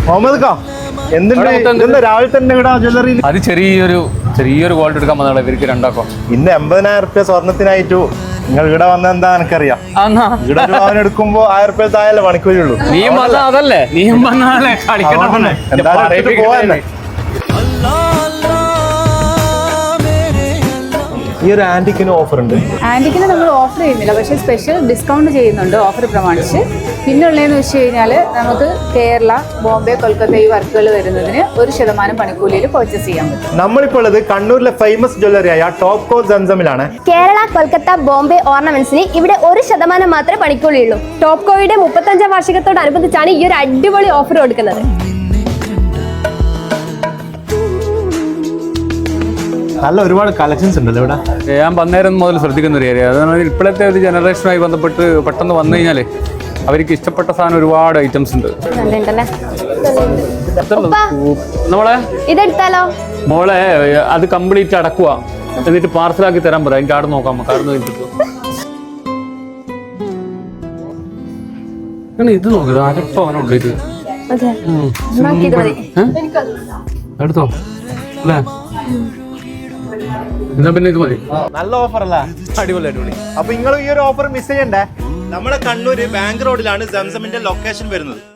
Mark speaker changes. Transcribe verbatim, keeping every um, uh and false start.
Speaker 1: മുഹമ്മദ് ഖാ എന്തുണ്ട് രാവിലെ തന്നെ ഇവിടെ ജ്വല്ലറി?
Speaker 2: അത് ചെറിയൊരു ചെറിയൊരു ഗോൾഡ് എടുക്കാൻ വന്നാളെ ഇവർക്ക് രണ്ടാക്കോ.
Speaker 1: ഇന്ന് എൺപതിനായിരം റുപ്യ സ്വർണത്തിനായിട്ടു നിങ്ങൾ ഇവിടെ വന്ന എന്താ എനിക്കറിയാം. ഇവിടെ ഒരു അവൻ എടുക്കുമ്പോ ആയിരം റുപ്യ താഴെ പണിക്കൂലി ഉള്ളൂ.
Speaker 2: നീയും വന്ന അതല്ലേ നീയും വന്നാലേ കളിക്കണം.
Speaker 1: എന്തായാലും പോവാന്നെ. ഈ ഒരു ആന്റിക്കിന് ഓഫർ ഉണ്ട്.
Speaker 3: ആന്റിക്കിന് നമ്മൾ ഓഫർ ചെയ്യുന്നില്ല, പക്ഷേ സ്പെഷ്യൽ ഡിസ്കൗണ്ട് ചെയ്യുന്നുണ്ട് ഓഫർ പ്രമാണിച്ച്. പിന്നെ ഉള്ളതെന്ന് വെച്ച് കഴിഞ്ഞാൽ നമുക്ക് കേരള, ബോംബെ, കൊൽക്കത്ത ഈ വർക്കുകൾ വരുന്നതിന് ഒരു ശതമാനം പണിക്കൂലിയിൽ പർച്ചേസ് ചെയ്യാൻ പറ്റും.
Speaker 1: നമ്മളിപ്പോൾ ഉള്ളത് കണ്ണൂരിലെ ഫേമസ് ജ്വല്ലറിയായ ടോപ്കോ സംസമിലാണ്.
Speaker 4: കേരള, കൊൽക്കത്ത, ബോംബെ ഓർണമെന്റ്സിന് ഇവിടെ ഒരു ശതമാനം മാത്രമേ പണിക്കൂലിയുള്ളൂ. ടോപ്കോയുടെ മുപ്പത്തഞ്ചാം വാർഷികത്തോടനുബന്ധിച്ചാണ് ഈ ഒരു അടിപൊളി ഓഫർ കൊടുക്കുന്നത്.
Speaker 1: നല്ല ഒരുപാട് കളക്ഷൻസ് ഉണ്ടല്ലോ ഇവിടെ.
Speaker 2: ഞാൻ വന്നേരം മുതൽ ശ്രദ്ധിക്കുന്ന ഒരു ഏരിയ അതാണ്. ഇപ്പോഴത്തെ ഒരു ജനറേഷനുമായി ബന്ധപ്പെട്ട് പെട്ടെന്ന് വന്നു കഴിഞ്ഞാൽ അവർക്ക് ഇഷ്ടപ്പെട്ട സാധനം ഒരുപാട് ഐറ്റംസ് ഉണ്ട്. നമ്മളെ
Speaker 4: ഇതെടുത്താലോ?
Speaker 2: മോളെ അത് കംപ്ലീറ്റ് അടക്കുക, എന്നിട്ട് പാർസലാക്കി തരാൻ പറയാം. എനിക്ക് ആടെ നോക്കാം. കാർഡ് ഇത് നോക്കുക അരപ്പ അവനുണ്ട്. ഇത് എടുത്തോ അല്ലേ? എന്നാ പിന്നെ ഇത് മതി.
Speaker 1: നല്ല ഓഫർ അല്ല?
Speaker 2: അടിപൊളി അടിപൊളി.
Speaker 1: അപ്പൊ നിങ്ങൾ ഈ ഒരു ഓഫർ മിസ് ചെയ്യണ്ടേ. നമ്മുടെ കണ്ണൂര് ബാങ്ക് റോഡിലാണ് സംസമിന്റെ ലൊക്കേഷൻ വരുന്നത്.